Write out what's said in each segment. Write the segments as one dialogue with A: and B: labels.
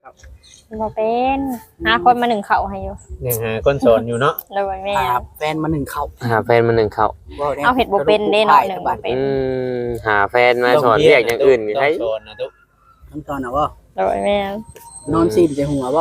A: บ่เป็นหาคนมาหนึ่งเขาให้อยู่
B: ยังหาคนสอนอยู่เนาะ
A: โดยแม่
C: หาแฟนมาหนึ่งเขา
D: หาแฟนมาหนึ่งเขา
A: เอาเห็ดบ่เป็นเด้เนาะหนึ่งบ่เป็น
D: หาแฟนมาสอนเรียกอย่างอื่น
B: ต้
D: ให้
B: องสอนนะตุ๊ก
C: ขั้นตอนน่ะบ่
A: โดยแม่
C: นอนซีนใจหัวบ่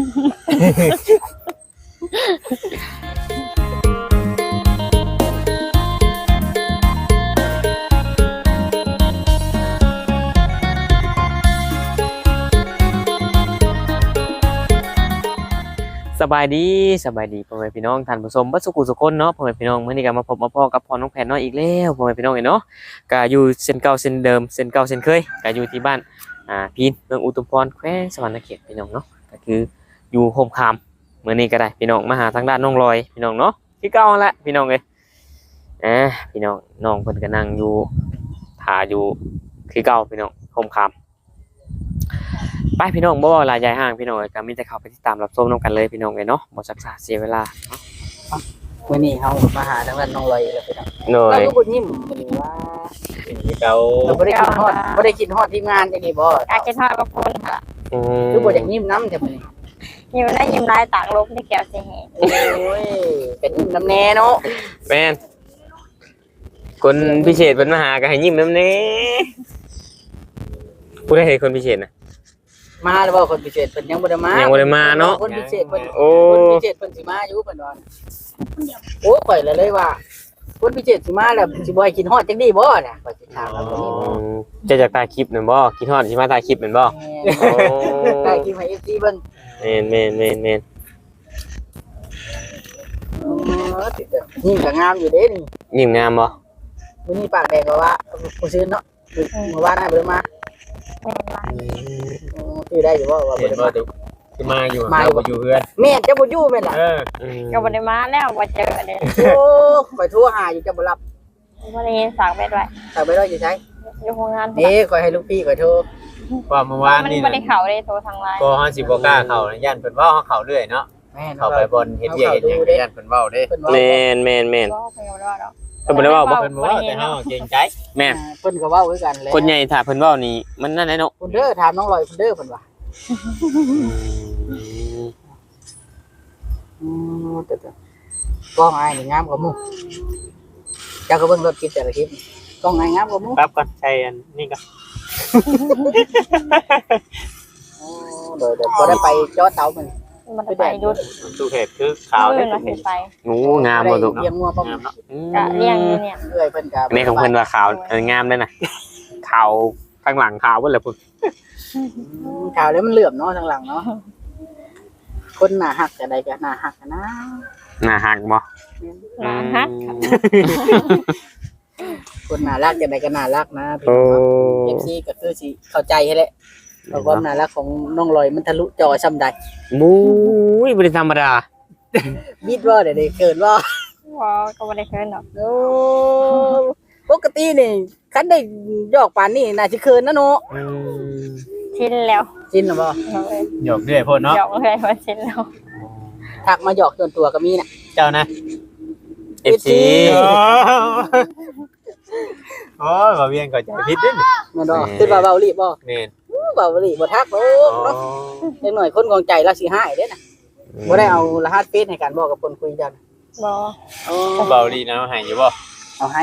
D: สบายดีพ่อแม่พี่น้องท่านผู้ชมบัดสุขุสุคนเนาะพ่อแม่พี่น้องมื้อนี้ก็มาพบมาพ้อกับพ่อน้องแผนน้อยอีกแล้วพ่อแม่พี่น้องเนาะก็อยู่เส้นเก่าเส้นเดิมเส้นเก่าเส้นเคยก็อยู่ที่บ้านพีนเมืองอุทุมพรแขวงสวรรณเขตพี่น้องเนาะก็คืออยู่โฮมคามมื้อนี้ก็ได้พี่น้องมาหาทางด้านน้องลอยพี่น้องเนาะคือเก่าแหละพี่น้องเอ้ยพี่น้องน้องเพิ่นก็นั่งอยู่ท่าอยู่คือเก่าพี่น้องโฮมคามไปพี่น้องบ่ว่าหลายใหญ่ห้างพี่น้องก็มีแต่เข้าไปติดตามรับชมนํกันเลยพี่น้องเอ้ยเนาะบ่ซักษาเสียเวลา
C: มื้อนี้เฮามาหาทางด้านน้องลอยแล้วพี่น้อง
D: หน่อ
C: เรา
D: ย
C: ก็บ่ยิ้มมื้อนี้ว่า
B: เป็นเก่า
C: เราบ่ได้คิดฮอดทีมงานจังนี้บ่
A: อากินทอดกับคนค่ะ
C: คือบ่อยากยิ้มน้ำจังมื้อนี้
A: ยิ้มได้ยิ้มลายตากลบที่แก้วสิเห็น
C: โอ้ยเป็นยิ้มน้ำแน่เนาะ
D: แม่นคนพิเศษเพิ่นมาหาก็ให้ยิ้มนำแน่ผู้ใดเห็นคนพิเศษน่ะ
C: มาแล้วบ่คนพิเศษเพิ่นยังบ่ได้มา
D: ยังบ่ได้มาเนาะ
C: คนพิเศษเพิ่น
D: โอ้
C: คนพิเศษเพิ่นสิมาอยู่เพิ่นว่าโอ้ข่อยเลยว่าคนพิเศษสิมาแล้วสิบ่ให้กินฮอดจังได๋บ่น่ะข่อยสิถามแล้วคนนี้
D: จะจากตายคลิปนั่นบ่คิดฮอดสิมาตายคลิปนั่นบ่ โอ้
C: ใกล้กินให้ FC เบิ่ง
D: แม่น
C: ติดเด้อนี่ก็งามอยู่เด้นี่
D: ยิ้มงามบ่
C: มื้อนี้ปากแดงก็ว่าผู้ซื้อเนาะเมื่อวานน่ะบ่ได้มา
A: แม่ว่า
C: คือได้อยู่บ่ว่าบ่
B: เห็น
C: ได้
B: บ่
C: มา
B: ตุ๊กคือมาอยู่เราบ่อยู่เพื่อน
C: แม่จะบ่อยู่แม่นล่ะ
A: ก็บ่ได้มาแล้วบ่เจอเด้
C: โอ้ข่อยโทรหาอยู่จะบ่รับ
A: บ่ได้ยินสากเบ็ดไว้
C: ถ้าไปรออยู่ไส
A: อยู่โรงงาน
C: นี่ข่อยให้ลูกพี่ข่อยโทร
B: ว่าเมื่อวาน
A: มัน
B: นี่
A: บ่ได้เข้าได้โทรทางไลน์
B: ก็เฮาสิบ่กล้าเข้านะย่านเพิ่นเว้าเฮาเข้าเรื่อยเนาะ
C: แม่น
B: เข้าไปบนเฮ็ดเวียกเฮ็ดหยังย่านเพิ่นเว้าเด้
C: เพิ่นว่า
D: แม่น
A: บ่เพิ่นบ่ได้ว่าดอก
D: เพิ่นบ่ได้เว้าบ่
B: เพิ่นบ่เว้าแต่เฮาเกรงใจ
D: แม่น
C: เพิ่นก็เว้าคือกันแหละ
D: คนใหญ่ถ้าเพิ่นเว้านี่มันนั่นแหละเนาะ
C: เพิ่นเด้อถามน้องลอยเพิ่นเด้อเพิ่นว่าแต่กล้องอ้ายนี่งามกว่าหมู่เจ้าก็เบิ่งรถคลิปแต่ละคลิปกล้องอ้ายงามกว่าหมู่
B: ปั๊บก่อนใช้อันนี้ก็
C: โอ้เดี๋ยวบ่ได้ไปจอเตามัน
A: มันไปหยุด
B: ตู้เฮ็ดคือขาว
A: มื้
B: เด้
A: อน่ะสิไป
D: โอ้งามบ่ตุก
C: เลี้ยงงัวป้อม
B: งามเนาะ
A: ก็เลี้ยงอยู่เนี่ย
C: เอื้อยเพิ่นก็
D: อันนี้ของเพิ่นว่าขาวงามเด้อน่ะขาวข้างหลังขาวเบิดแล้วพุ่น
C: ข่าวแล้วมันเหลื่อมเนาะทางหลังเนาะคนหน้าหักก็ได้ก็หน้าหักนะ
D: หน้าหักบ่
A: หลานฮัก
C: คนน่ารักจะได้ก็น่ารักนะพี่
D: โอ้
C: น้องเอฟซีก็คือสิเข้าใจให้แหละเพราะความน่ารักของน้องลอยมันทะลุจอซ้ำใด
D: มุ้ยบ่ได้ธรรมดา
C: บิดว่าเดี๋ยวได้เกิดว่า
A: บ่ก็บ่ได้เคินดอก
C: โอ้ปกตินี่คันได้หยอกปานนี่น่าสิเคินนะเนาะ
A: ชินแล้ว
C: จินหรอบ่
A: เลย
B: หยอกเรื่อยโพดเนาะ
A: หยอกเลยว่าชินแล้ว
C: ทักมาหยอกจนตัวก็มีน่ะ
B: เจ้านะ
D: FC
B: โอ้ยบ่เวียนก็ใจผิดเด้อ
C: แม่นบ่คิดว่าเบาลีบ่
B: แม่น
C: เบาลีบ่ทักโอ้เนาะเด็กหน่อยคนของใจเราสิหายเด้น่ะบ่ได้เอารหัสเฟซให้กันบอกกับคนคุยกัน
A: บ่
C: อ๋อ
B: เบาดีนะให้อยู่บ่
C: เอาให้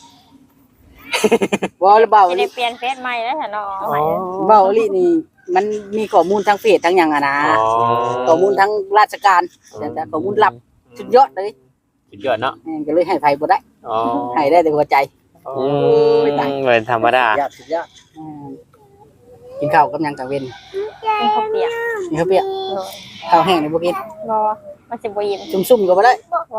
C: บ่แล้วเบา
A: จะ
C: ลี
A: ได้เปลี่ยนเฟซใหม่แล้วค่ะเนาะ
C: เบาลีนี่มันมีข้อมูลทางเฟซทั้งหยังอะนะ ข้อมูลทั้งราชการแต่ข้อมูลลับสุดยอดเลย
B: สุดยอดเนาะ
C: แม่งก็เลยให้ไผบ่ได้
B: อ๋อ
C: ให้ได้แต่หัวใจ
D: บ่ได้ธรรมดา
C: สุดยอดกินข้าวกับหยังกลางเว้น
A: เป็นข้าวเปียก
C: มีข้าวเปียก
A: โดย
C: ข้าวแห้งนี่บ่กิน
A: บ่มันสิบ่ยิ้ม
C: ซุ่มๆก็บ่ได้
A: บ่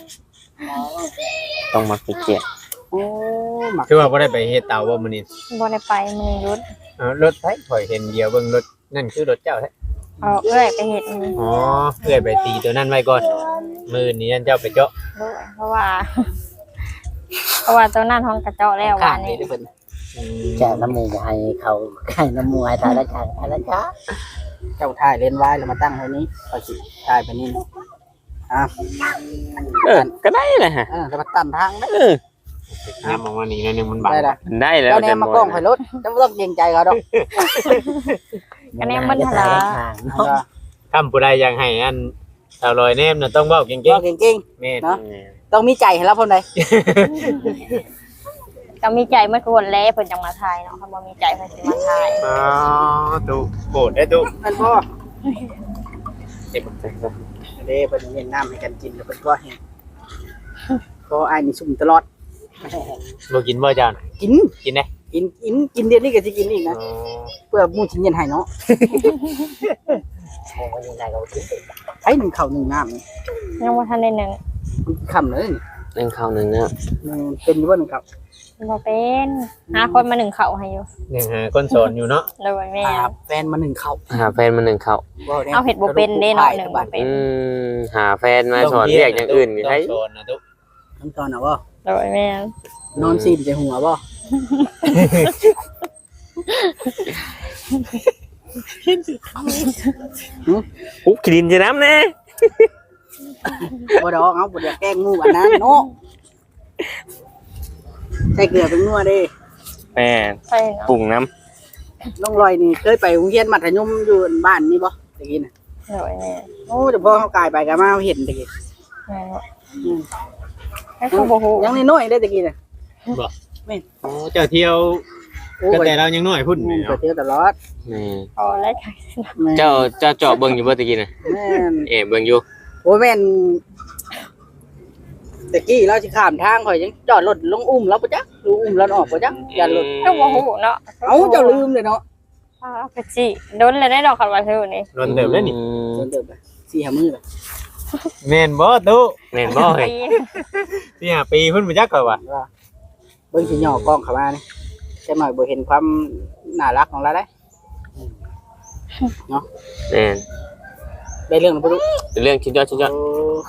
D: ต้องมาไปเกียรติ
C: โอ้หมัก
B: คือว่าบ่ได้ไปเฮ็ดเตาบ่มื้อนี้
A: บ่ได้ไปมื้อหยุด
B: รถไผข่อยเห็นเดียวเบิ่งรถนั่นคือรถเจ้าแท้
A: เอาเอื้อยไปเฮ็ดนี่
B: อ๋อเพื่อไปตีตัวนั้นไว้ก่อนมื้อนี้นั่นเจ้าไปเจาะ
A: ด้วยเพราะว่า เพราะว่าตัวนั้นห้องกระเจาะแล้ววันนี้
C: เพิ่น
B: อืม
E: จะน้ำมูกให้เขาให้น้ำมูกให้ทายละกันทายละกัน
C: เจ้าถ่ายเลนไว้แล้วมาตั้งไว้นี้ก็สิถ่ายไปนี่อ่ะ
D: ก็ได้นะฮะ
C: แล้วมาตั้งทางได้
B: น้ำออกมานี่นั่นนึงมันบัง
C: ได้ล่ะ
D: ได้แล้ว
C: เจ้าแนมมากล้องข่อยรถเจ้าบ่ต้องเกรงใจเขาดอก
A: คะแนนมันหลา
E: เนาะ
B: คำผู้ใดอยากให้อันสาวลอยแนมน่ะต้องเว้าเก่ง
C: บ่เก่ง
B: ๆแม่น
C: ๆเนาะต้องมีใจให้เราพร้อมใด
A: ก็มีใจเมื่อคนแล้วเพิ่นจังมาทายเนาะถ้าบ่มีใจเพิ่นสิมาทาย
B: อ๋อตุโกรธได้ตุ
C: มันบ่เด้เพิ่นเย็นน้ำให้กันกินแล้วเพิ่นก็แห้งก็อ้ายนี่ซุ่มตลอด
B: บ่กินบ่เจ้าน่ะ
C: กิน
B: กินได้
C: กินเดี๋ยวนี้ก็สิกินอีกนะ
B: อ๋อ
C: เพื่อหมู่สิเย็นให้เนาะ
E: โอ้ยยังไงก็กิน
C: ไอ้หนึ่งข้าวหนึ่งน้ำนี่
A: ยังบ่ทันได้หนึ่ง
C: มันคำเลย
D: นึ่งข้าวหนึ่งเนาะ
C: มันเป็นอยู่บ่หนึ่งข้าว
A: บ่เป็นหาคนมาหนึ่งเขาให้อยู่
B: ยังหาคนสอนอยู่เนาะ
A: โดยแม่
C: หาแฟนมาหนึ่งข้าว
D: หาแฟนมาหนึ่งข้าว
C: ว้แน่
A: เอาเห็ดบ่เป็นเด้เนาะหนึ่งบ่เป็น
D: หาแฟนมาสอนเรียกอย่างอื่นมี
B: ต้
D: ใช่
B: งสอนนะตุ
C: ขั้นตอนน่ะบ่
A: โดยแม่
C: นอนซีนใจหัวบ่
D: อุ๊บขีดินจะน้ำแน่
C: บ่ดอกเอาบ่อยากแกล้งหมู่อันนั้นเนาะใส่เกลือเป็นนัวเด้
D: แม่
A: ใช่เนาะ
D: ปรุงน้
C: น้องลอยนี่เคยไปโรงเรียนมัธยมอยู่บ้านนี่บ่ตะกี้น่ะ
A: โดยแม่
C: โอ้แต่พอเฮากายไปก็มาเห็นตะกี้
A: แม่ว่าให้เขาบ่ฮู้
C: ยังน้อยๆเด้ตะกี้น่ะ
B: โอ้เจ้าเที่ยว
C: โอ้
B: ก็
C: ไป
B: แต่เรายังน้อยพุ่นนี่
C: ไป
B: เนาะ
C: เที่ยวตลอด
D: ำแม่
A: พอแล้วค่ะ
C: แม่น
D: เจ้าเจาะเบิ่งอยู่บ่ตะกี้น่ะ
C: แม่น
D: เบิ่งอยู่
C: โอ้ยแม่นตะกี้เราสิข้ามทางข่อยยังจอดรถลงอุ้มเราบ่จ๊ะดูอุ้มเราออกบ่จ๊ะอย่ารถ
A: ก็บ่ฮู้เนาะ
C: เอ้าเจ้าลืมเลยเนาะ
A: กะจิโดนเลยได้ดอกคันว่าซื่อนี่
B: โดนเติมแล้วนี่
C: เดินเดินไป4-5มื้อเลย
B: แม่นบ่ตุ
D: แม่นบ่เฮ้ย
B: ที่หาปีพุ่นบ่จักก่อนว่า
C: ว่าเบิ่งสิย่อกล้องเข้ามานี่จักหน่อยบ่เห็นความน่ารักของเราได้
D: แม่น
C: ได้เรื่องแล้วบ่รู้
D: เป็นเรื่องชิ้นยอดชิ้นยอด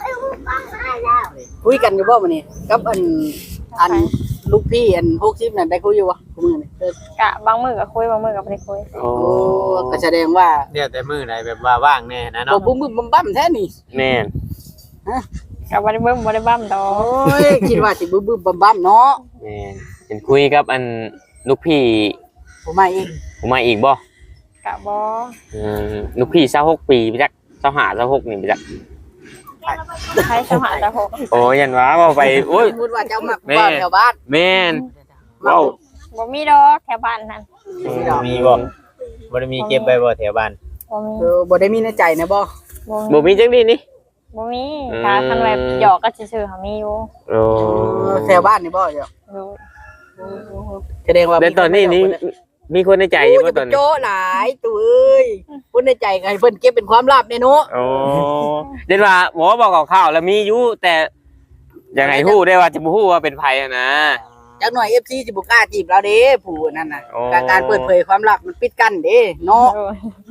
C: คุยกันอยู่บ่มื้อนี้กับอันลูกพี่อัน60นั่นได้คุยอยู่บ่คุมื้อนี้
A: กะบางมื้อก็คุยบางมื้อก็บ่ได้คุย
D: โอ้
C: โอ้ก็แสดงว่า
B: เดี๋ยวแต่มื้อใดแบบว่าว่างแน่นะ
C: บ่
B: เนาะ
C: บุ้มบึ้มบั้มแท้นี่
D: แม่น
A: ก็บ่ได้เบิ่มบ่ได้บั้มดอ
C: โอ้
A: ก
C: ยคิดว่าสิบึ้มบึ้มบั้มเนาะ
D: แม่นเห็นคุยกับอันลูกพี่
C: ผมมาอีก
D: ผมมาอีกบ่
A: กะบ่
D: ลูกพี่26ปีไปจัก25 26นี่ไปจัก
A: ใช้สหาตะหก
D: โอ้ยันว่าเว้าไปโอ้ย
C: สมมุติว่าเจ้ามักบ้านแถวบ้าน
D: แม่น
C: มัก
D: เว้า
A: บ่มีดอกแถวบ้านนั่น
B: มีบ่บ่ได้มีเก็บไว้บ่แถวบ้าน
A: บ่มี
C: บ่ได้มีในใจนะบ่
D: บ่มีจังดีนี่
A: บ่มีถ้าคันแบบหยอกก็ซื่อๆเขามีอยู่
D: โอ้
C: แถวบ้านนี่บ่เจ้า
A: ดู
C: แสดงว่า
D: แต่ตอนนี้นี่มีคนในใจอยู่
C: โอ้
D: บ่
C: ย
D: ตอนนี้
C: โจ้หลายตัวเอ้ยคนในใจก็ให้เพิ่นเก็บเป็นความลับแน่เนาะ
D: โอ้เด่นว่าหมอบอกข่าวๆแล้วมีอยู่แต่ยังไงฮู้ได้ว่าจะบ่ฮู้ว่าเป็นไผอะนะ
C: จักหน่อย FC สิบ่กล้าจีบเราเด้ผู้นั่นน่ะ
D: โอ้
C: การเปิดเผยความลับมันปิดกั้นเด้เนาะ
A: ดู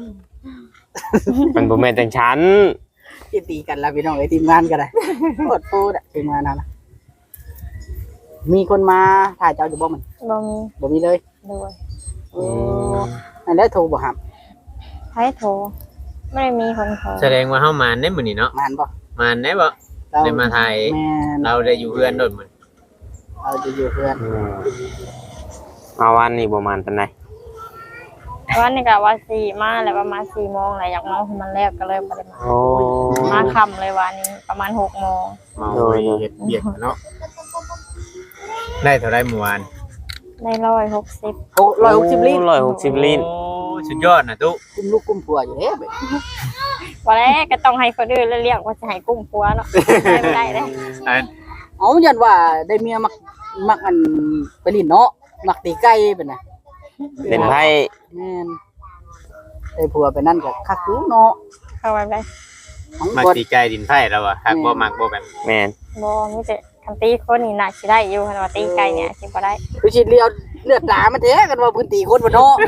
D: มันบ่แม่นจังฉัน
C: สิตีกันแล้วพี่น้องไอ้ทีมงานก็ได้โคตรโตดทีมงานนั่นน่ะมีคนมาถ่ายเจ้าอยู่บ่มัน
A: บ่มี
C: บ่มีเลย
A: ดู
C: โอ้อันได้โทรบ่ครับ
A: ใช้โทรไม่ได้มีคนโทร
B: แสดงว่าเฮามานได้มื้อนี้เนาะ
C: งานบ่
B: มานได้บ่
C: เรา
B: ได้มาถ่าย
C: แม่น
B: เราได้อยู่เพื่อนโดนมื้อ
C: เราจะอยู่เพื่อน
D: มาวันนี้ประมาณปานใด
A: วันนี้ก็ว่า4มาแล้วประมาณ4โมงแหละอยากนอนมันแล้วก็เลยบ่ได้มา
D: โอ้
A: มาค่ำเลยวันนี้ประมาณ6โมง
B: เมาไปเฮ็ดเบียกเนาะได้เท่าไรเมื่อวาน
A: ได้160
C: 160ลิตร
D: 160ลิตร
B: โอ้สุดยอดนะตุ
C: กุมลูกกุมผัวอยู่เด้แบบ
A: บ่ได้ก็ต้องให้คนอื่นเรียกว่าจะให้กุ้มผัวเนาะไม่ได้เด้
B: อัน
C: เอายันว่าได้เมียมักอันไปลินเนาะมักตีไก่เป็นน่ะ
D: เป็นไผ
C: แม่นได้ผัวไปนั่นก็คักอยู่เนาะ
A: เข้าไปได้
C: ของ
B: มัก
C: บ่
B: ตีไก่ดินไผ่แล้วอ่ะหักบ่มักบ่แบบ
D: แม่น
A: บ่มีแต่คันตีคนนี่น่าสิได้อยู่คันว่าตีไก่เนี่ยสิบ่ได้
C: คือสิเลียวเลือดตามันแท้กันว่าพื้นที่คนบ่เนาะ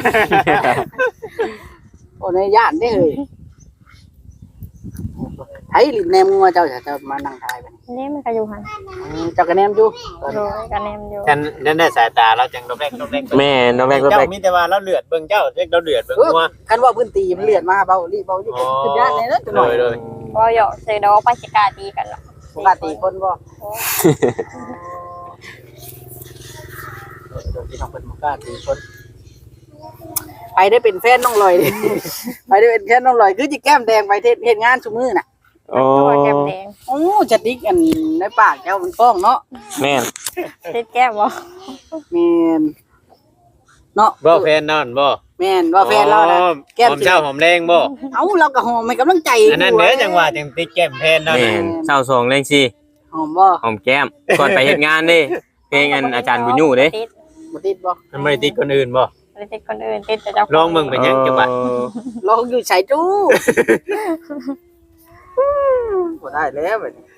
C: โอ้ในย่านเด้เฮ้ยไผลินแนมงัวเจ้าจะมานั่งทายบัดนี้
A: นี่มันก็อยู่หั่น
C: เจ้าก็แนมอยู่
A: ดูก็แนมอยู่
B: ฉันนั่นได้สายตาเราจังดอกแรกดอกแรก
D: แม่นน้องแรก
B: เจ้ามีแต่ว่าเราเลือดเบิ่งเจ้าเรียกเราเลือดเบิ่งงัว
C: คันว่าพื้นที่มันเลือดมาเบาลิเบาอยู่ขึ้นย่านในนั้นจังหน่อย
B: เลย
A: บ่หยอกใส่ดอกไปสิกล้าตีกันเนาะ
C: ปกติคนบ่พี่น้องเพิ่นบ่กล้าตีคนไปได้เป็นแฟนน้องลอยดิ ไปได้เป็นแฟนน้องลอยคือจิแก้มแดงไปเฮ็ดงานซุมื้อน่ะ
D: โอ้
A: ตัวแก้มแดง
C: โอ้จะดิกอันในปากเจ้ามันฟ้องเนาะ
D: แม่น
A: ติดแก้มบ่
C: แม่นเนาะ
B: บ่แฟนนอนบ่
C: แม่นว่าแฟนเราน่ะแก้ม
B: หอมเช้าหอมแรงบ่
C: เอ้าเราก็หอมให้กำลังใจ
B: อันนั้นเด้อจังหวะจังติดแก้มแฟนนอน
D: แม่นเศร้าสองเลงสิ
C: หอมบ่
D: หอมแก้มก่อนไปเฮ็ดงานเด้เพลงอันอาจารย์บุญยู่เด้
A: ติด
C: บ่ติดบ่
B: มันไม่ได้ติดคนอื่นบ่
A: บ่ได้ติดคนอื่นติดแต่เจ้าของ
B: ลองมึงไปยังจังหวะ
C: ลองอยู่ใส่จู้บ่ได้แล้วบัดนี้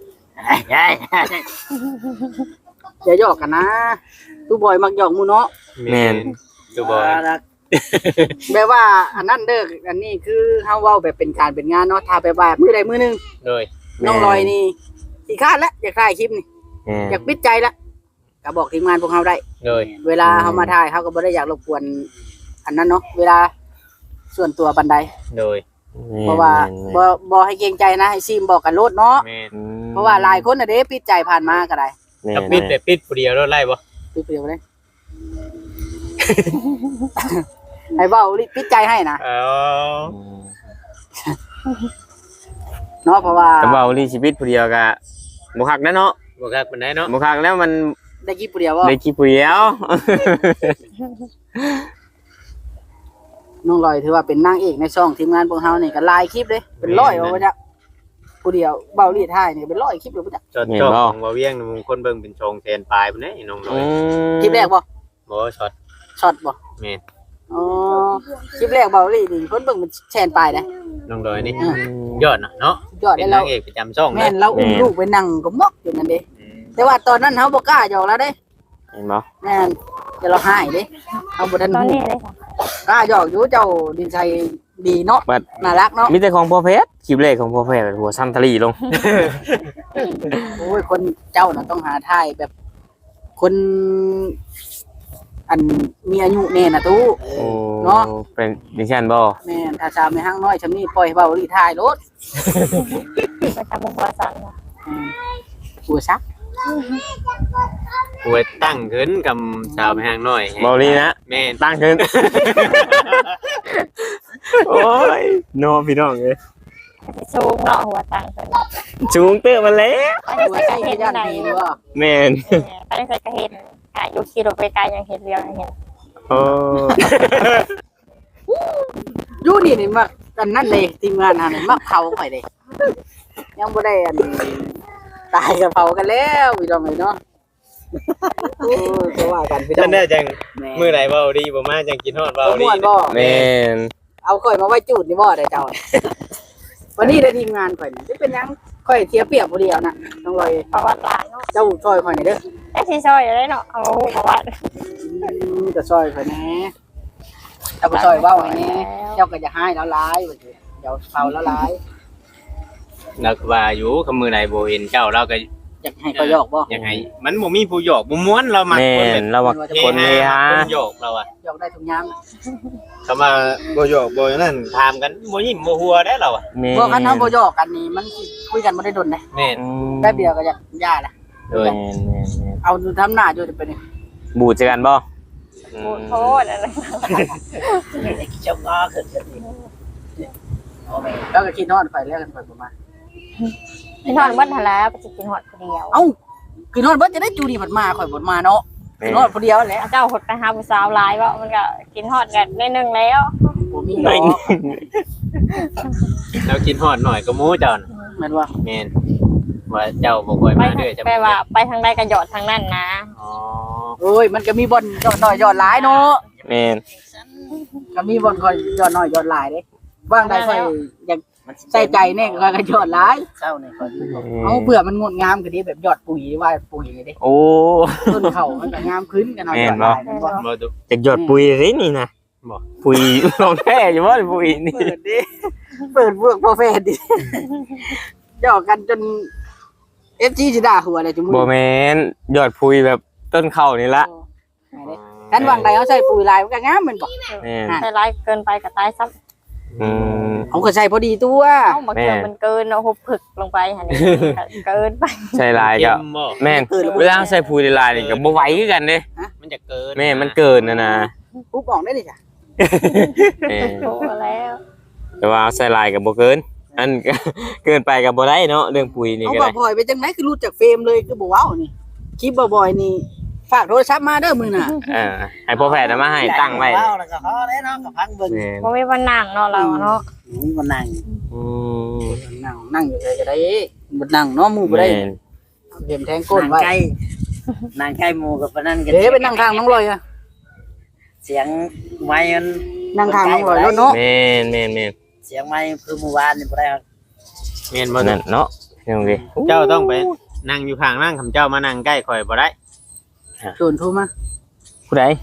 C: อย่าหยอกกันนะตู้บอยมักหยอกหมู่เนาะ
D: แม่น
B: ตัวบอย
C: แบบว่าอันนั้นเด้ออันนี้คือเฮาเว้าแบบเป็นการเป็นงานเนาะถ้าแบบว่ามื้อใดมื้อหนึง
B: โดย
C: น้องลอยนี่สิคร้านแล้วอยากถ่ายคลิปนี่
D: แม่น
C: อยากปิดใจแล้วก็บอกทีมงานพวกเฮาได้
B: โดย
C: เวลาเฮามาถ่ายเฮาก็บ่ได้อยากรบกวนอันนั้นเนาะเวลาส่วนตัวบันได
B: โดย
C: เพราะว่าบ่ให้เกรงใจนะให้ซีมบอกกันโลดเนาะ
B: แม่น
C: เพราะว่าหลายคนน่ะเด้ปิดใจผ่านมาก็ได้
D: แม่น
B: ถ้าปิดแต่ปิดผู้เดียวแล้วไล่บ่
C: ปิดเปรียวเลย ให้เว้าลิปิดใจให้นะ
B: อ๋อ
C: เนาะเพราะว่า
D: แต่ว่าลีชีวิตผู้เดียวก็บ่คักนะเนาะ
B: บ่คักปานใดเนาะ
D: บ่คักแล้วมัน
C: ได้กี่ผู้เดียวบ่
D: ได้กี่ผู้เดียว
C: น้องลอยถือว่าเป็นนางเอกในช่องทีมงานพวกเฮานี่ก็หลายคลิปเลยเป็นร้อยว่าจะผู้เดียวเบาลีถ่ายนี่เป็นร้อยคลิปเลยบ่จ๊ะ
B: จอดจอกของบ่เวียงมึงคนเบิ่งเป็นชงแสนปลายพุ่นเด้น้องน้อย
C: คลิปแรกบ่
B: บ่ช็อต
C: ช็อตบ่
B: แม่น
C: อ๋อคลิปแรกเบาลีนี่เพิ่นเบิ่งเป็นแสนปลายนะ
B: น้องน้อยนี่ยอดเนาะ
C: ยอด
B: เป็
C: ได้
B: น
C: เรา
B: นางเอกประจำช่อง
C: แม่นเราอุ้มลูกไปนั่งก็มอกอยู่นั่นเด้แต่ว่าตอนนั้นเฮาบ่กล้าหยอกแล้วเด้
D: เห็นบ่
C: แม่นแต่เราหายเด้เฮาบ่ทัน
A: ตอน
C: ฮู้
A: นี้เลยค่ะ
C: กล้าหยอกอยู่เจ้าดินชัยดีเนาะ
D: บัด
C: น่ารักเนาะ
D: มีแต่ของพ่อเพชรคลิปแรกของพ่อเพชรหัวซ้ำทะลีลง
C: โอ้ยคนเจ้าน่ะต้องหาถ่ายแบบ คนอันมีอายุแน่น่ะตู้
D: โอ้
C: เนาะ
D: เป็นดิฉันบ่
C: แม่นถ้าสาวไม่ห้างน้อยชำนี้ปล่อยให้เบาลีถ่ายรถ
A: ประจำวงประสันค่ะ
C: หัวซัก
B: หวยตั้งขึ้นกับสาวแม่ห้างน้อย
D: บ่ลีนะ
B: แม่น
D: ตั้งขึ้น โอ้ยโนพี่น้องเอ้ย
A: สูงเนาะหัวตังค์เพิ่น
D: จูงเตื้อมาแล้ว
A: ไป
C: หัว
A: ใส่
C: ใส่
A: เห็น
C: ย่าน
A: ไหน
C: ดีว่า
D: แม่น
A: ไปใส่กระเห็นอยู่ขี่รถไปไกลยังเห็นเรียวยังเห็น
D: โอ้
C: อยู่นี่มักอันนั้นเลยทีมงานหานี่มักเผาข่อยเด้ยังบ่ได้อันตายกับเผากันแล้วพี่น้องเอ้ยเนาะโอ้ยก็ว่ากันพี่น้อ
B: นั่
C: ง
B: นแน่จัง
C: แม่
B: มื้อใดเว้าดีบ่มาจังกินฮอดเว้า
C: เอา
B: ดี
C: ม่วนบ่
D: แม่น
C: เอาข่อยมาไว้จูดนี่บ่ได้เจ้า วันนี้ได้ทีมงานข่อยนี่สิเป็นหยังข่อยเสียเปรียบผู้เดียวน่ะต้องรอย
A: ประวัติหลานเนาะ
C: เจ้าซอยข่อยนี่เด้อ
A: ได้สีซอยอยู่เลยเนาะเอาประวัติ
C: จะซอยข่อยแหน่เจ้าก็ซอยเว้าให้แหน่เจ้าก็จะให้แล้วหลายว่าสิเดี๋ยวเผาแล้วหลาย
B: แล้วก็ว่าอยู่คำมื้อใดบ่เห็นเจ้าเราก็
C: อยากให้ข่อยหยอกบ่
B: ยังไงมันบ่มีผู้หยอกบ่ม่วนเรามัก
D: แม่
B: คนแบ
D: น
B: บ
D: เราว่าคนเฮฮา
B: คนหยอกเราอะ
C: หยอกได้ทุกยาม
B: คำว่าบ่หยอกบ่นั่นถามกันบ่ยิ้มบ่หัวได้เราอะ
D: แม่น
C: พวกคันเฮาบ่หยอกกันนี่มันสิคุยกันบ่ได้ดนเด้
B: แม่น
D: อืม
C: แป๊บเดียวก็อยากย่าละ
B: โดย
D: แม่นแม่นแม่น
C: เอาดูทำหน้าอยู่จะเป็น
D: บูดจักกันบ่
A: บูดโทษอะไร
C: เจ้าก็ขึ้นกันอีกแล้วก็คิดนอนข่อยแล้วกันข่อยประมาณ
A: พี่นอนบ้านทะเลไปจะกินหอดคนเดียว
C: เอ้าคือนอนเบิดจะได้จูดีผัดมาข่อยบ่มาเนาะคือนอนคนเดียวแหละ
A: เจ้าหดไปหาผู้สาวหลายว่ามันก็กินหอดกันได้นึงแล้ว
C: บ่มีดอก
B: แล้วกินฮอดหน่อยก็หมูเจ้าน่ะ
C: แม่นว่า
B: แม่นว่าเจ้าบ่ค่อย
A: ไป
B: มาเด้อจะ
A: แปลว่าไปทางใดก็หยอดทางนั้นนะ
B: อ๋อ
C: โอ้ยมันก็มีบ่อนยอดน้อยยอดหลายเนาะ
D: แม่น
C: ก็มีบ่อนค่อยยอดน้อยยอดหลายเด้ว่างใดค่อยอยากใส่ใจแน่ค่อยก็ยอดหลายเจ้านี่ค่อยเอาเผื่อมันงดงามก็ดีแบบยอดปุ๋ยว่าปุ๋ยเด้
D: โอ้
C: ต้นเขามันก็งามขึ้นกันหน่อย
D: แม่
C: ยอน ดห
D: บ่
C: ลายแม่นบ่
B: บ่ตุ
D: จากหยอดปุ๋ยเลยนี่นะ
B: บ่
D: ปุ๋ย ของแท้อยู่บ่ปุ๋ยนี่
C: เปิดดิเปิดพวกโปรเฟสดิหยอกกันจน FG สิด่าหัวเลยจุมื้
D: บ่แม่นหยอดปุ๋ยแบบต้นข้าวนี่ละ
C: กันวางใดเขาใส่ปุ๋ยลายมันก็งามแม่นบ่
D: แม่น
A: ใส่ร้ายเกินไปก็ตายซ้ำ
D: อืม
C: เขาก็ใส่พอดีตัว
A: เอ้าบางทีมันเกินเอาหุบผึกลงไปหันนี่เกินไป
D: ใช่ลาย
B: เค็
D: ก็
B: มบ่
D: แม่นเวลาใส่ปุ๋ยลายนี่ก็บ่ไหวคือกันเด้
B: มันจะเกิน
D: แม่มันเกินนะ
C: ปุ๊บออกได้เลยจ้ะ
A: โตแล้ว
D: แต่ว่าใส่ลายก็บ่เกินอันก็เกินไปก็บ่ได้เนาะเรื่องปุ๋ยนี่
C: เอา
D: ก็
C: บ่
D: ได้
C: บ่อยไปจังได๋คือรู้จักเฟรมเลยคือบ่เว้านี่คลิปบ่อยๆนี่ฝากโทรศัพท์มาเด้อมื้อน่ะ
D: ให้พ่อแพทย์เอามาให้ตั้งไว้
E: เว้าแล้วก็พอแล้วเนาะก็พังเบิ่ง
D: แม่น
A: บ่มีวันนั่งเนาะเราเนาะ
E: มีบ่นั่ง
D: อืม
C: นั่งอยู่เลยก็ได้บ่นั่งเนาะหมู่บ่ได้
D: แม่น
C: เข็มแทงก้น
E: นั่ง
C: ไว้
E: ใกล้นั่งใกล้หมู่กับปานนั้นก็
C: เด้ไปนั่งข้างน้องลอยอะ
E: เสียงไม้มัน
C: นั่งข้างน้องลอยแล้วเนาะ
D: แม่นแม่นแม่น
E: เสียงไม้คือเมื่อวานนี่บ่ได้ครับ
B: แม่นบ่
D: นั่นเนาะพี่น้องดิ
B: เจ้าต้องไปนั่งอยู่ข้างนั่งคำเจ้ามานั่งใกล้ข่อยบ่ได้
C: โดนโทรมา
D: ผู้ใด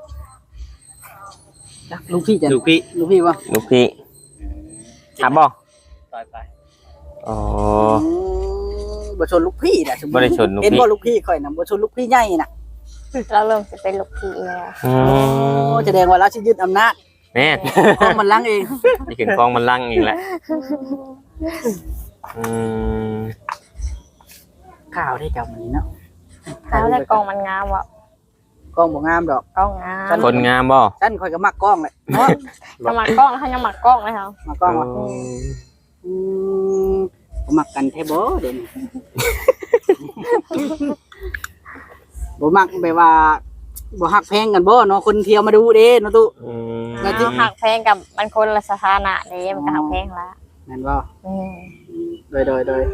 C: จักลูกพี่จัน
B: ลูกพี่
C: ลูกพี่บ่
D: ลูกพี่ถามบ่
E: ต่อยไป
D: อ๋อ
C: บ่ชนลูกพี่น่ะสมมุ
D: บ่
C: ติ
D: ได้ชนลูก
C: เห็น
D: พี่
C: บ่ลูกพี่ข่อยน่ะบ่ชนลูกพี่ใหญ่น่ะ
A: เราเริ่มสิเป็นลูกพี่แล้ว
D: อื
C: โอ้
D: ม
C: แสดงว่าเราสิยึดอำนาจ
D: แม่น
C: ของมันลังเอง
D: นี่ขึ้นกองมันลังอีกแล้วอืม
C: ข่าวได้เจ้ามื้อนี้เนาะ
A: เขาได้กองมันงามว่ะ
C: กล้องบ่งามดอก
A: กองงาม
D: คนงามบ่
C: ฉันข่อยก็มักกล้องแหละเนาะ
A: ถ้ามักกล้องถ้ายังมักกล้องเลยค่ะ
C: มักกล้องว่ะ
D: อืม
C: อืมบ่มักกันแท้บ่เดี๋ยวนี้ บ่มักแบบว่าบ่ฮักแพงกันบ่เนาะคนเที่ยวมาดูเด้เนาะตุ
D: อืม
C: แล้วที่
A: หักแพงกับมันคนละสถานะเด้มันก็หักแพงละ
C: แม่นบ่
A: อืม
C: โดย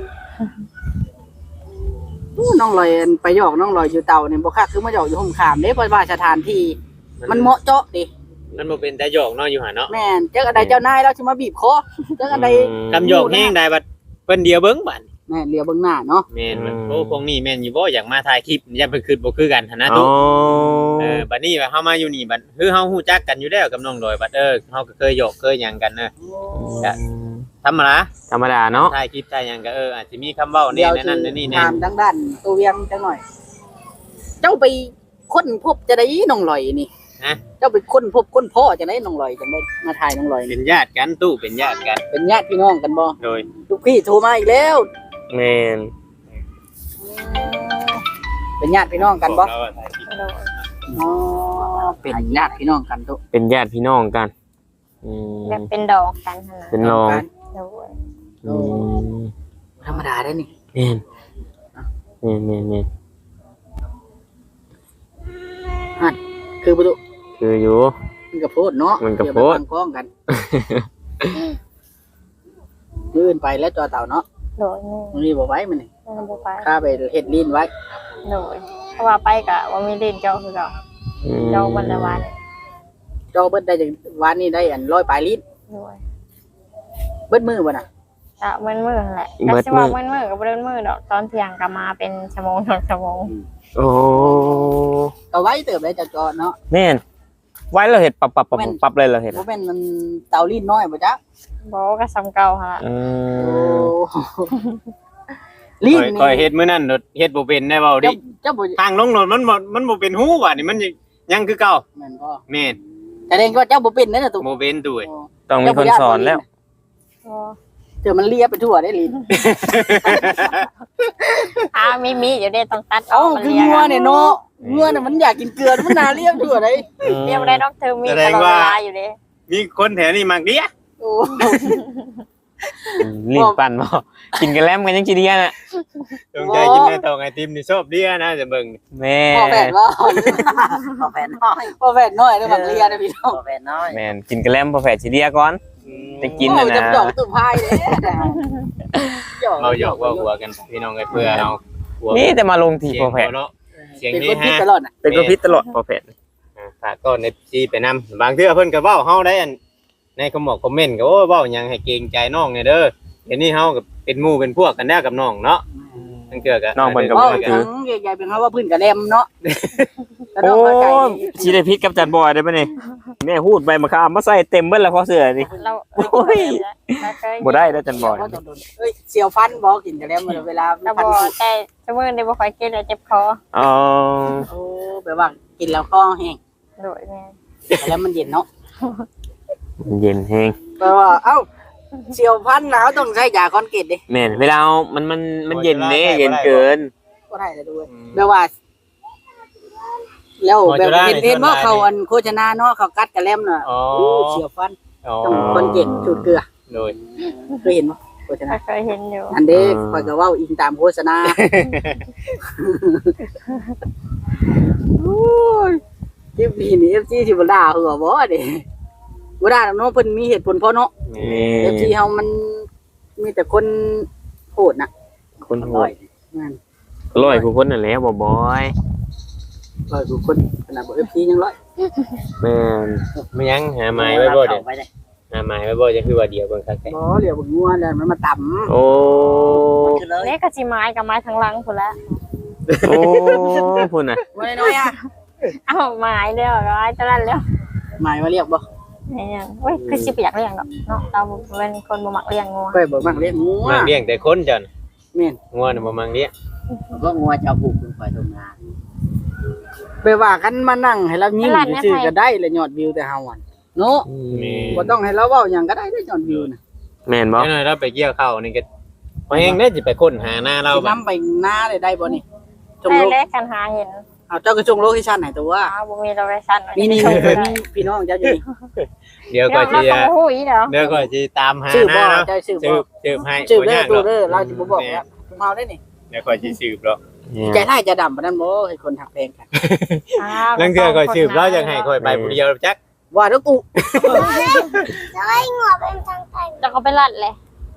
C: อู้น้องลอยอันไปหยอกน้องลอยอยู่เตาเนี่ยบ่คักคือมาหยอกอยู่ห่มขามเด้เพราะว่าสถานที่มันเหมาะเจาะดิ
B: มันบ่เป็นแต่หยอกเนาะอยู่หั่นเนาะ
C: แม่นเจ้าอันใดเจ้านายเราสิมาบีบคอเจ้าอันใด
B: คำหยอกแห้งได้บัดเพิ่นเดียวเบิ่งบัด
C: แม่นเลียวเบิ่งหน้าเนาะ
B: แม่นมันโอ้พวกนี้แม่นอยู่บ่อยากมาถ่ายคลิปอย่าเพิ่นคิดบ่คือกันหั่นนะ
D: อ๋
B: ตุ
D: อ
B: บัดนี้ว่าเฮามาอยู่นี่บัดคือเฮาฮู้จักกันอยู่แล้วกับน้องดอยบัดเฮาก็เคยหยอกเคยหยังกันเนอะธรรมดา
D: ธรรมดาเนาะ
B: ถ่ายคลิปถ่ายหยังก็อาจสิมีคำเว้าแน่ในนั้นในนี่แน่
C: ถามทางด้านตัวเวียงจังหน่อย เจ้าไปค้นพบจะได้น้องลอยนี่
B: ฮะ
C: เจ้าไปค้นพบค้นพ่อจะได้น้องลอยจังได้มาถ่ายน้องลอยนี่
B: เป็นญาติกันตู้เป็นญาติกัน
C: เป็นญาติพี่น้องกันบ่
B: โดย
C: ลูกพี่โทรมาอีกแล้ว
D: แม่น
C: เป็นญาติพี่น้องกันบ่
B: เราถ่ายคลิป
A: โดย
C: อ๋อเป็นญาติพี่น้องกันตุ
D: เป็นญาติพี่น้องกันอืม
A: แบบเป็นดอกกันขนาด
D: เป็นรอง
A: โดย
D: อืม
C: ธรรมดาได้นี่
D: แม่นแม่นแม่นแม่น
C: คือประตู
D: คืออยู่
C: มันก็โพดเนาะ
D: มันก็โพด
C: เยวไปตั้งกล้องกันมื้ออื่นไปแล้วจอเต่าเนาะ
A: โดยนี่
C: มื้อนี้บ่ไว้มันนี่
A: มันบ่ไป
C: ข้าไปเฮ็ดลีนไว้
A: โดยเพราะว่าไปกะว่ามีเล่นเจ้าคือเก่าเจ้าวันละวัน
C: จอเบิดได้จากวันนี้ได้อัน100ปลายลีน
A: โดย
C: เบิดมื้อบ่น่ะ
A: กะมันมือนั่นแหละก็สิว่ามันมือก็บ่ได้มือดอกตอนเที่ยงก็มาเป็นชั่วโมง2ชั่วโมง
D: โอ้
C: ก็ไว้เติบได้จากจอเนาะ
D: แม่นไว้เราเห็ดปรับเลยเราเห็ด
C: บ่แม่นมันเตาลีนน้อยบ่จ๊ะ
A: บ่ก็ซ้ำเก่าหั่นล่ะ
D: อื
C: โอ้
D: ม
C: ลีน
B: คอยเฮ็ดมื้อนั้นเฮ็ดบ่เป็นได้เว้าดิ
C: เจ้าบ่
B: ทางลงรถมันบ่เป็นหูว่ะนี่มันยังคือเก่า
C: แม่นบ่
B: แม่น
C: แสดงว่าเจ้าบ่เป็นนั่นน่ะตุ
B: บ่เป็นตู้
C: โอ้
D: ต้องมีคนสอนแล้ว
A: อ๋อ
C: เจอมันเลียไปทั่วได้ลีน
A: มีอยู่เด้ต้องตัด
C: เอ้า
A: มัน
C: คือ
A: เรียก
C: งัวเนี่ยเนาะงัวน่ะมันอยากกินเกลือมันน่าเลียไปทั่วได้
A: เรียกบ่ได้ดอกเธอมีตลอดเวลาอยู่เด้
B: มีคนแถวนี้มักเดีย
C: โอ้
D: รีบปั่นบ่กินกันแล้วมันยังจีเดียน่ะ
B: จงใจกินในตองไอติมนี่ชอบเดียนะจะเบิ่ง
D: แม่
C: พ่อแฝดว่า
E: พอแฟนน้อย
C: พ่อแฝดน้อยเด้อมักเลียนะพี่น้อง
E: พอแฟนน้อย
D: แม่นกินกันแล้วพอแฝดจีเดียก่อนไปกินน่ะ
C: โอ้ย
D: นะ
C: จำดอกตุ่มพายเลย
B: เราหยอกว่าหัวกันพี่น้องกันเพื่อเอาหัว
D: นี่แต่มาลงที
B: เสีย
D: พ
B: ง
D: อแฝด
B: เนาะเสียง
C: เป็น
B: นี้
C: คนพิษ
B: ฮะ
C: ตลอดน่ะ
D: เป็นก็พิษตลอดพอแฝด
B: ฝากต้อนในซีไปนำบางเทื่อเพิ่นก็เว้าเฮาได้อันในคอมเมนต์ก็โอ้เว้าหยังให้เกรงใจน้องเนี่ยเด้อเดี๋ยวนี้เฮาก็เป็นหมู่เป็นพวกกันแล้วกับน้องเนาะทั้งเทื่อก็
D: น้องเพิ่นก็
C: ว่า
D: บ่
C: จังใหญ่ๆเป็นเพราะว่าพื้นกระแลมเนาะ
D: โอ้ชีได้พิษกับจันบอยได้ปะนี่แม่พูดไปมาข้ามมาใส่เต็มเบิ้ลแล้วพอเสือนี่
A: เรา
D: โอ้ย บ่ได้แล้วจันบอย
C: เอ้ยเสียวฟันบ่กินกระแลมเวลา
A: เราบ่แต่ชั่วโมงนี้บ่ค่อยกินแล้วเจ็บคอ
D: อ๋อ
C: โอ้แบบว่ากินแล้วคอแห้ง
A: โดยแม่
C: แล้วมันเย็นเนาะ
D: เย็นแฮง
C: แปลว่าเอ้าเสียวฟันหนาวต้องใช้ยาคอนเกตดิ
D: แม่นเวลามันเย็นเด้เย็นเกิน
C: ก็ได้เลยด้วยแปลว่าแล้ว
B: หมอ
C: แบบ
B: จุฬา
C: เห็น
B: นี่
C: เห็นว่า
B: ส่วนหลาย
C: เขาอันโฆษณาเนาะเขากัดกระแลมน่ะ
B: อ๋อ
C: เสียวฟัน
B: อ๋อ
C: ต้องคนเก่งสูตรเกลือ
B: โดย
C: เคยเห็นบ่โฆษณา
A: เคยเห็นอยู่
C: อันเด้ข่อยก็เว้าอิงตามโฆษณาโอ้ยคลิปนี้นี่ FC สิบ่ด่าหัวบ่เด้บ่ด่าหรอกเนาะเพิ่นมีเหตุผลพอเนาะ
B: แม่
C: FC เฮามันมีแต่คนโหดน่ะ
D: คนโหด
C: นั่น
D: ร้อยผู้คนนั่นแหละบ่บอย
C: ร้อยกว่าคนขนาดบ่ FC ยังร้อย
D: แม่น
B: ไม่ยังหาไม้ไว้บ่เด้อ
E: ไปเลย
B: หาไม้ไว้บ่จะคือว่าเดียวเบิ่งคักแท้
C: บ่เหลียวบ่งัวแล้วมันมาต่ำ
D: โอ้
E: คือเลย
A: เล็กกับจีไม้กับไม้ทั้งหลังพุ่นละ
D: โอ้พุ่นน่ะ
C: บ่น้อยๆอ่ะ
A: เอาไม้เดียวกับไม้ตะลันแล้ว
C: หมายว่าเรียกบ่
A: นี่ยังเว้ยคือสิไปอยากเลี้ยงดอกเนาะเราเป็นคนบ่มักเลี้ยงงัว
C: ไปบ่มักเลี้ยงงัว
B: มังเลี้ยงแต่คนจัน
C: แม่น
B: งัวน่ะบ่มังเลี้ยง
E: ก็งัวจะเอาผูกลงไปตรงงาน
C: ไปว่ากันมานั่งให้เรายิ้มซื่อๆก็ได้แล้วยอดวิวแต่เฮาอ่ะเนาะ
B: แม่
C: บ่ต้องให้เราเว้าหยังก็ได้ได้ยอดวิวน่ะ
D: แม่นบ่
B: จังหน่อยเราไปเกี่ยวข้าวนี่ก็พอแห้งได้สิไปค้นหาหน้าเรา
C: สิ
B: บัด
C: นำไปหน้าได้บ่นี่จง
A: ได้
C: โล
A: เล็กกันหาเห็น
C: เอาเจ้าก็จงโลเคชั่นให้ตัว
A: อ้าวบ่มีโลเคชั่น
C: นี่
A: ส่งไปได้
C: พี่น้องเจ้าอยู่นี่
B: เดี๋ยว
A: เดี๋
B: ก็
A: ยว
B: สิ
A: เราต้องหูยเดี๋ยว
B: เดี๋ยวก็สิตามหา
C: ชื่อ
B: ห
C: บ่
B: น้าเรา
C: เจ้าชื่อ
B: สื
C: บ่
B: บสืบให้
C: ชื่อ
B: บ่
C: เด้อย
B: าก
C: ตั
B: หร
C: ว
B: อก
C: เด้อเราสิบ่บอกแล้วผมเฮาได้นี่
B: เดี๋ยวก็สิสืบหรอก
C: ใจร้ายใจดำปานนั้นบ่ให้คนหักแพงกัน
A: อ้าว
B: ลังเทื่อก็สืบเราจังให้ค่อยไปผู้เดียวจัก
C: ว่าเด้อกู
A: แล้วก็ไปลัดเลย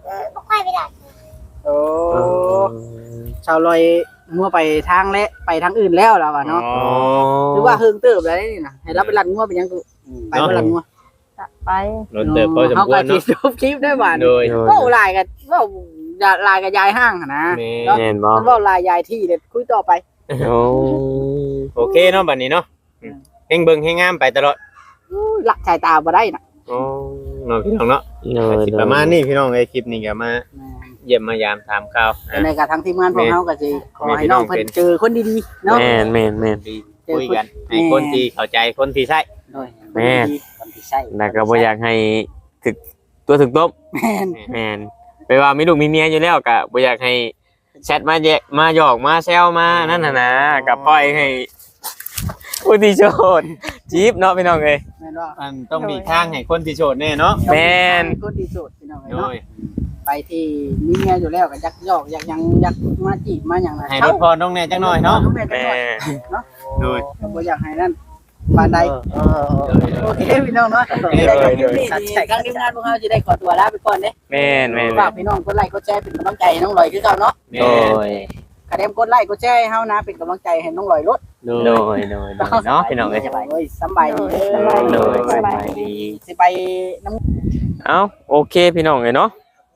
C: โอ้ชาวลอยงัวไปทางและไปทางอื่นแล้วล่ะว่าเนาะ
B: อ๋อ
C: หรือว่าเฮิงเติบแล้วนี่น่ะให้เราไปรันงัวไปยังกูไปบ่รันงัว
A: จะไป
B: รถเติบพอสมควร
C: เนาะ
B: เนาะ
C: จบคลิปได้บ่า
B: โดย
C: โอ้ลายกันว่าลายกับยายห้างหั่นนะ
B: แม่
C: เนาะ
D: แม่นบ่
C: มันว่าลายยายที่เด็ดคุยต่อไป
D: โอ้
B: โอเคเนาะบัดนี้เนาะเฮงเบิ่งเฮงงามไปตลอด
C: หลักสายตาบ่ได้น่ะ
B: อ๋อเนาะพี่น้องเนาะ
D: เนอะ
B: สิประมาณนี้พี่น้องไอ้คลิปนี้ก็มาเยี่ยมมายามถามข่าว
C: ในกับทางทีมงานพวกเฮาก็สิขอให้น้องเพิ่นเจอคนดีๆเนาะ
D: แม่นแม่นแม่น
B: ดีคุยกันให้คนที่เข้าใจคนที่ใช่
C: โดย
D: แม่น
E: คนที่ใช่
D: แล้วก็บ่อยากให้ถึกตัวถึกต้ม
C: แม่น
D: แม่นไปว่ามีลูกมีเมียอยู่แล้วก็บ่อยากให้แชทมาแยะมาหยอกมาแซวมานั่นน่ะนะก็ปล่อยให้ผู้ที่โชดจีบเนาะพี่น้องเอ้ย
C: แม่นว่า
B: มันต้องมีทางให้คนที่โสดแน่เนาะ
D: แม่น
C: คนดีสุดพี่น้อง
B: โด
C: เนาะ
B: ย
C: ไปที่มีเมียอยู่แล้วก็ยักยอกอยากยังอยากมาจีบมาหยังน่ะ
B: ให้รถพรต้องแน่จังหน่อยเนาะ
C: แม่จัง
D: แม่
C: หน่อย
B: โดย
C: ก็บ่อยากให้นั่นปานใด โอเคพี่น้องเนาะ
B: โอเค
C: ได้กับคลิปนี้ทางทีมงานพวกเราจะได้ขอตัวลาไปก่อนเด้
D: แม่นแม่น
C: ฝากพี่น้องกดไลค์กดแชร์เป็นกำลังใจให้น้องลอยคือเก่าเนาะ
B: แม่
D: โดย
C: กระเดมกดไลค์กดแชร์ให้เฮานะเป็นกำลังใจให้น้องลอยรถ
B: โด
D: โด
B: ย
D: ยโดยโดยเนาะพี่น้องเอ้ย
C: โอ้ยสำบายดีเด้อ
D: โดยสบายดี
C: สิไปน้
D: เอ้าโอเคพี่น้องเอ้ยเนาะ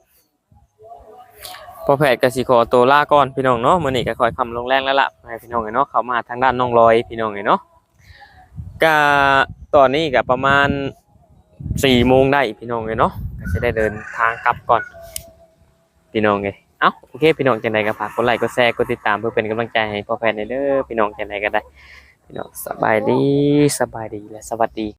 D: พอแพทย์ก็สิขอตัวลาก่อนพี่น้องเนาะมื้อนี้ก็ค่อยคำลงแรงแล้วล่ะให้พี่น้องเอ้ยเนาะเข้ามาทางด้านน้องลอยพี่น้องเอ้ยเนาะก็ตอนนี้ก็ประมาณ4 โมงได้พี่น้องเอ้ยเนาะก็จะได้เดินทางกลับก่อนพี่น้องเอ้ยเอ้าโอเคพี่น้องจังไดก็ฝากกดไลค์กดแชร์กดติดตามเพื่อเป็นกำลังใจให้พ่อแพทย์เด้อพี่น้องจังไดก็ได้พี่น้องสบายดีและสวัสดี